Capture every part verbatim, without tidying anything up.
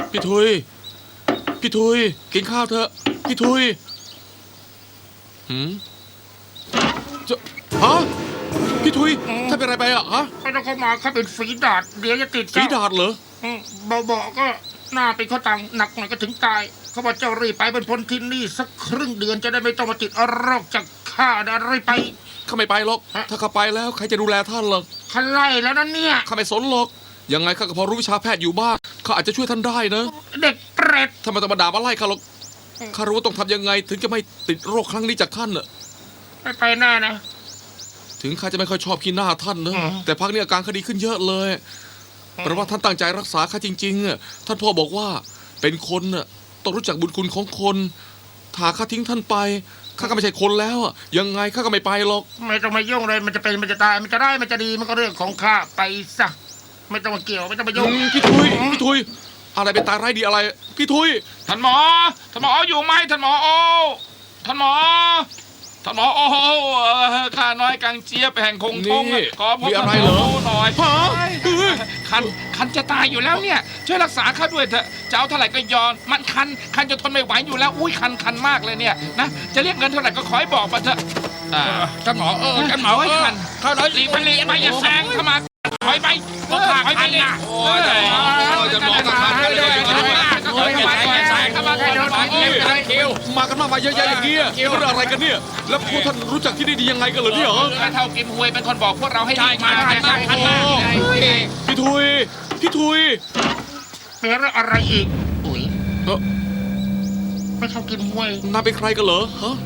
พี่ทุยพี่ทุยกินข้าวเถอะพี่ทุยหืมจะฮะพี่ทุยท่านเป็นอะไรไปอ่ะฮะไม่ต้องเข้ามาเขาเป็นฝีดาดเดี๋ยวจะติดฝีดาดเหรอเบาๆก็หน้าเป็นข้อตังหนักหน่อยก็ถึงตายเขาบอกเจ้ารีบไปเป็นพ้นที่นี่สักครึ่งเดือนจะได้ไม่ต้องมาติดโรคจากข้านะรีบไปข้าไม่ไปหรอกถ้าข้าไปแล้วใครจะดูแลท่านหรอกข้าไล่แล้วนั่นเนี่ยข้าไม่สนหรอกยังไงข้าก็พอรู้วิชาแพทย์อยู่บ้างข้าอาจจะช่วยท่านได้นะเด็กเปรตถ้ามันต้องมาด่ามาไล่ข้าหรอกข้ารู้ว่าต้องทำยังไงถึงจะไม่ติดโรคครั้งนี้จากท่านน่ะไม่ไปแน่นะถึงข้าจะไม่ค่อยชอบขี้หน้าท่านนะอืมแต่พักนี้อาการคดีขึ้นเยอะเลยเพราะว่าท่านตั้งใจรักษาข้าจริงๆอ่ะท่านพ่อบอกว่าเป็นคนน่ะต้องรู้จักบุญคุณของคนถ้าข้าทิ้งท่านไปข้าก็ไม่ใช่คนแล้วอ่ะยังไงข้าก็ไม่ไปหรอกไม่ต้องมายุ่งเลยมันจะเป็นมันจะตายมันจะได้มันจะดีมันก็เรื่องของข้าไปซะไม่ต้องมาเกี่ยวไม่ต้องมายุ่งอืมพี่ทุยพี่ทุยอะไรเป็นตายร้ายดีอะไรพี่ทุยท่านหมอ ท่านหมออยู่ไหมท่านหมอโอ้ท่านหมอ ท่านหมอโอ้เอ่อข้าน้อยกังเจี๊ยบแห่งคงทงนี่ขอพบมีท่าอะนไรหมเหรออหน่อยฮะเฮ้ยคันคันจะตายอยู่แล้วเนี่ย ช่วยรักษาข้าด้วยเถอะจะเอาเท่าไหร่ก็ยอมมันคันคันจนทนไม่ไหวอยู่แล้วอุ้ยคันคันมากเลยเนี่ยนะจะเรียกเงินเท่าไหร่ก็ขอให้บอกมาเถอะอ่าท่านหมอเออท่านหมอเออข้าน้อยรีบไปรีบไปอย่าแซงเข้ามาถอยไปถอยไปเลยโอ้ยจะหมอกับคันเลยถอยไปอย่าแซงเข้ามาท่านหมอเอ้ยคิวมากันมากมายเยอะแยะอย่างเงี้ยเรื่องอะไรกันเนี่ยแล้วพวกท่านรู้จักที่นี่ดียังไงกันเหรอเนี่ยเหรอข้าเท่ากิมฮวยเป็นคนบอกพวกเราให้รีบมาคันมากคันมากพี่ทุยพี่ทุยเป็นเรื่องอะไรอีกอุ้ยเออไม่เข้ากินมวยนายเป็นใครกันเหรอฮะ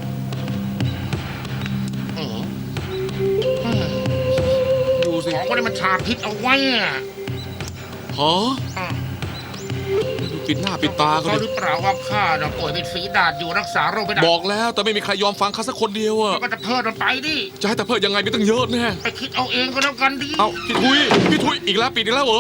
เออดูสิของคนนี้มันชาพิษเอาไว้อะฮะปิดหน้าปิดตาเขาเขาหดิรือเปล่าว่าข้าน่ะป่วยเป็นฝีดาษอยู่รักษาโรคไม่ได้บอกแล้วแต่ไม่มีใครยอมฟังข้าสักคนเดียวอะก็จะเพิ่มมันไปดิจะให้แต่เพิ่มยังไงไม่ต้องเยอะแน่ไปคิดเอาเองก็แล้วกันดิเอาพี่ทุยพี่ทุยอีกแล้วปิดอีกแล้วเหรอ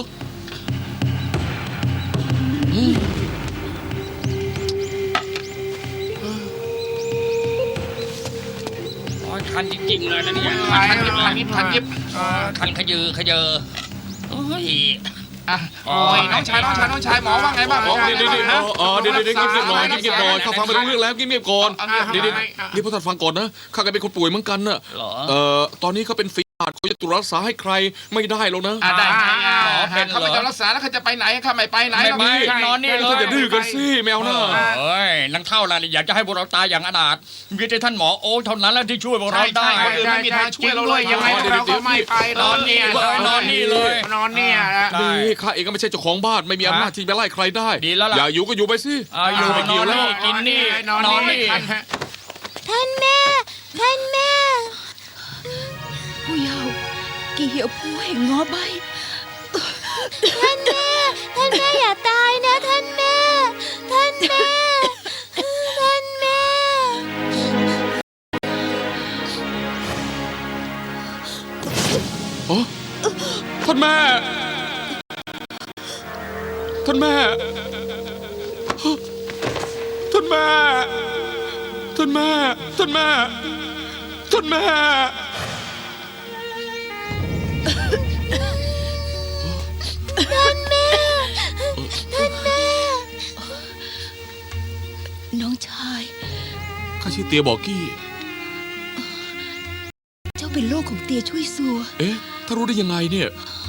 โอ้ยคันจริงๆเลยนะเนี่ยคันยิบคันยิบคันยิบคันขยือขยือโอ้ยอ่ะโอ้ยน้องชายน้องชายน้องชายหมอว่าไงบ้างหมอว่าเดี๋ยวไงเดี๋ยวบ้างเดี๋ยวฮะอ๋อเดี๋ยวเดี๋ยวเดี๋ยวเงียบๆหน่อยเงียบๆหน่อยข้าฟังไม่รู้เรื่องแล้วเงียบๆก่อนเดี๋ยวเดี๋ยวนี่พวกท่านฟังก่อนนะข้าก็เป็นคนป่วยเหมือนกันน่ะเหรอเอ่อตอนนี้เขาเป็นฝีดาษเขาจะตรวจรักษาให้ใครไม่ได้หรอกนะอ่ะได้ไงอ่ะหมอเป็นเหรอเขาไม่ยอมรักษาแล้วเขาจะไปไหนเขาไม่ไปไหนไม่หรอกไม่นี่นอนนี่เลท่านอย่าย ดื้อกันสิแมวหน้าเอ้ยนังเท่าไรอยากจะให้พวกเราตายอย่างอนาถมีแต่ท่านหมอโอ้เท่านั้นแหละที่ช่วยพวกเราได้คนอื่นไม่มีทางช่วยเราเลยยังไงเราก็ไม่ไปนอนเนี่ยนอนนี่เลยนอนเนี่ยนะได้นี่ข้าเองก็ไม่ใช่เจ้าของบ้านไม่มีอำนาจที่จะไล่ใครได้ดีแล้วล่ะอย่าอยู่ก็อยู่ไปสิอาอยู่ไม่นเกี่อยวน แล้วนี่กินนี่นอนนี่ท่านแม่ ท่านแม่ ผู้เยาว์กี่เหี่ยวผู้แห่งงอใบ ท่านแม่ ท่านแม่อย่าตายนะท่านแม่ ท่านแม่ ท่านแม่อ๋อท่านแม่ ท่านแม่ ท่านแม่ ท่านแม่ ท่านแม่ ท่านแม่ท่านแม่ ท่านแม่ น้องชายข้าชื่อเตียบอกกี้เจ้าเป็นโรคของเตียช่วยซัวเอ๊ะ ถ้ารู้ได้ยังไงเนี่ย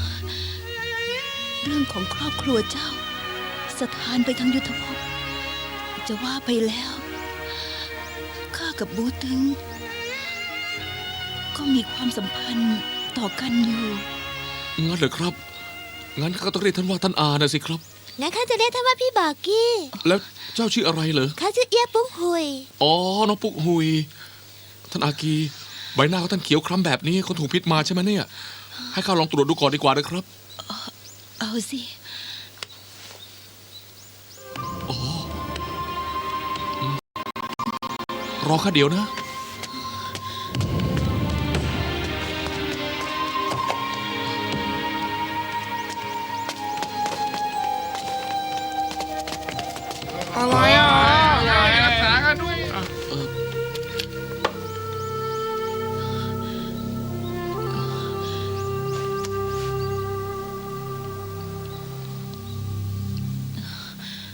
เรื่องของครอบครัวเจ้า สถานไปทางยุทธภพ จะว่าไปแล้ว ข้ากับบูตึง ก็มีความสัมพันธ์ต่อกันอยู่งั้นเหรอครับ งั้นข้าก็ต้องเรียกท่านว่าท่านอานะสิครับงั้นข้าจะเรียกท่านว่าพี่บากี้แล้วเจ้าชื่ออะไรเหรอข้าชื่อเอียปุ้งหุยอ๋อ น้องปุ๊กหุย ท่านอากี ใบหน้าของท่านเขียวคล้ำแบบนี้เขาถูกพิษมาใช่ไหมเนี่ย ให้ข้าลองตรวจดูก่อนดีกว่านะครับเอาสิรอข้าเดี๋ยวนะอะไรอ่ะรักษากันด้วยพ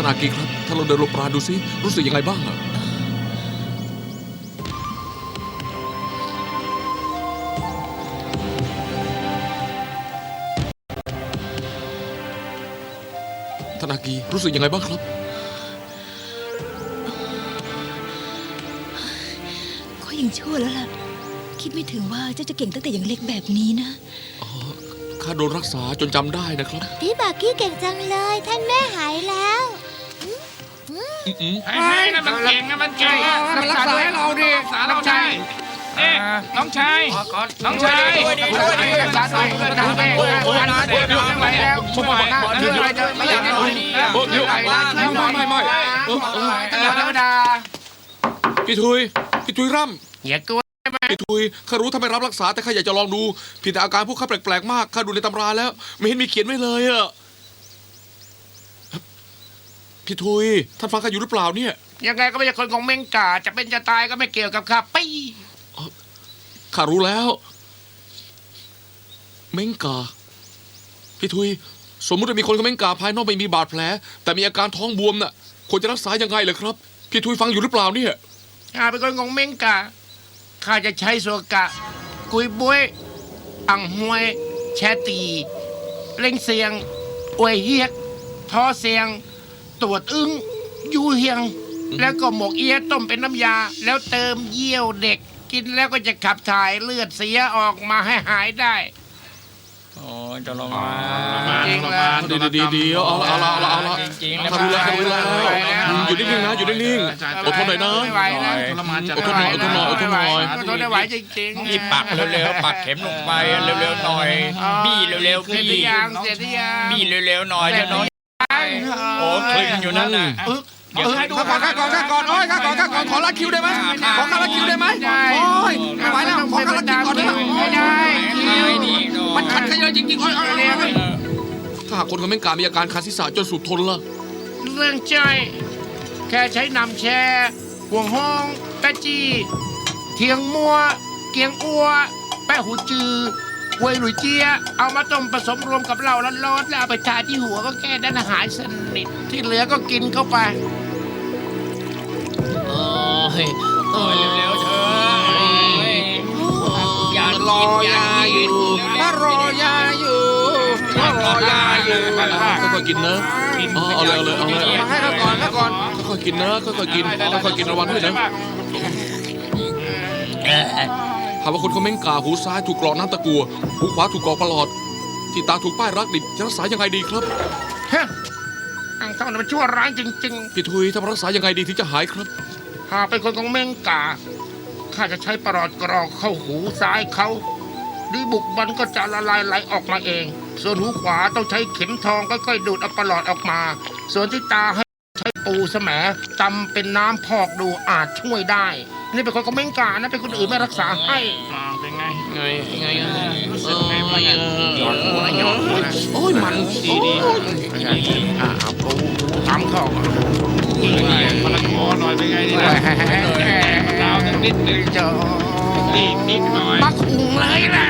อากีครับ ถ้าเราเดินลงปราณดูสิรู้สึกยังไงบ้างอะท่านอากีรู้สึกยังไงบ้างครับก็ยังชั่วแล้วล่ะ คิดไม่ถึงว่าเจ้าจะเก่งตั้งแต่ยังเล็กแบบนี้นะข้าโดนรักษาจนจำได้นะครับพี่บากี้เก่งจังเลย ท่านแม่หายแล้วอืมไอ้ยนั่นมันเก่งนะมันเก่งอะมันรักษาให้เราดิรักษาเราได้เอ๊ะน้องชายน้องชายรักษาหน่อยเพื่อนนะแม่นะเดี๋ยวเดี๋ยวไม่ไหวแล้วผมบอกนะเดี๋ยวเดี๋ยวไม่อยากจะคุยโอ้เดี๋ยวไม่ไม่ไม่ไม่เออเออธรรมดาพี่ทุยพี่ทุยร่อย่ากลัวำพี่ทุยข้ารู้ทำไมรับรักษาแต่ข้าอยากจะลองดูผิดแต่อาการพวกข้าแปลกๆมากข้าดูในตำราแล้ว ไม่เห็นมีเขียนไว้เลยอะพี่ทุยท่านฟังข้าอยู่หรือเปล่าเนี่ยยังไงก็ไม่ใช่คนของเมงกาจะเป็นจะตายก็ไม่เกี่ยวกับข้าปี้ข้ารู้แล้ว เม้งกาพี่ทุยสมมติว่ามีคนกับเม้งกาภายนอกไม่มีบาดแผล แต่มีอาการท้องบวมน่ะควรจะรักษายังไงเหรอครับ พี่ทุยฟังอยู่หรือเปล่าเนี่ยข้าเป็นคนของเมงกาข้าจะใช้โซกะ กุยบุ้ยอังหวย แชตี เล่งเสียง อวยเฮียกท้อเสียง ตรวจอึ้งยูเฮียง แล้วก็หมกเอียะต้มเป็นน้ำยา แล้วเติมเยี่ยวเด็ก กินแล้วก็จะขับถ่ายเลือดเสียออกมาให้หายได้โอ้ยจะลงมาจริงแล้วดีดีดีดีเอาละเอาละเอาละเอาละจริงๆนะข้ารู้แล้วข้ารู้แล้วไม่ไหวแล้วอืมอยู่นิ่งๆนะอยู่นิ่งๆอดทนหน่อยนะไม่ไหวแล้วทรมานจัดอดทนหน่อยอดทนหน่อยอดทนหน่อยอดทนไม่ไหวจริงๆรีบปักเร็วๆปักเข็มลงไปเร็วๆหน่อยบี้เร็วๆเสร็จหรืบี้อยังเสร็จหรือยังบี้เร็วๆหน่อยเดี๋ยวน้องโอ้คลึงอยู่นั่นน่ะอึ๊กเดี๋ยวให้ดูข้าก่อนข้าก่อนข้าก่อนโอ้ยข้าก่อนข้าก่อนขอรัดคิวได้ไหมขอข้ารัดคิวได้ไหมโอ้ยไม่ไหวแล้วขอข้ารัดคิวก่อนได้ไหมไม่ได้คิวมันขัดขยายจริงๆโอ้ยโอ้ยโอ้ยโอ้ยถ้าหากคนกับเม้งกามีอาการคันศีรษะจนสุดทนล่ะเรื่องใจอยแค่ใช้นำแช่ห่วงห้องแปะจีเทียงมัว เกียงอัว แปะหูจือเวยหลุยเจีย เอามาต้มผสมรวมกับเหล้าร้อนๆแล้วเอาไปทาที่หัวก็แก้ด้านหายสนิทที่เหลือก็กินเข้าไปโอ้ยเร็วๆเถอะอย่ารอยาอยู่มารอยาอยู่มารอยาอยู่ค่อยๆกินนะอ๋อเอาเลยเอาเลยเอาเลยมาให้เขาก่อนเขาก่อนค่อยๆกินนะค่อยๆกินค่อยๆกินระวังด้วยนะหากว่าคนเขาเม้งกาหูซ้ายถูกกรอกน้ำตะกัวหูขวาถูกกรอกประหลอด ที่ตาถูกป้ายรักดิบจะรักษายังไงดีครับเฮ้ยอังเท่านั้นมันชั่วร้ายจริงพี่ทุยถ้ารักษายังไงดีถึงจะหายครับๆหากเป็นคนของเมงกาข้าจะใช้ประหลอดกรอกเข้าหูซ้ายเขาดีบุกมันก็จะละลายไหลออกมาเอง ส่วนหูขวาต้องใช้เข็มทองค่อยๆดูดเอาประหลอดออกมา ส่วนที่ตาให้ใช้ปูแสมตำเป็นน้ำพอกดูอาจช่วยได้ นี่เป็นคนของเมงกานะเป็นคนอื่นไม่รักษาให้เป็นไงไงไงรู้สึกไงบ้างอะหยอดหัวหยอดหัวโอ้ยมันดีดีอ่าเอาปูตำเข้ามะละกอหน่อยเป็นไงนี่นะดาวนิดนึงเจออีกนิดหน่อยมักหุงเลยนะ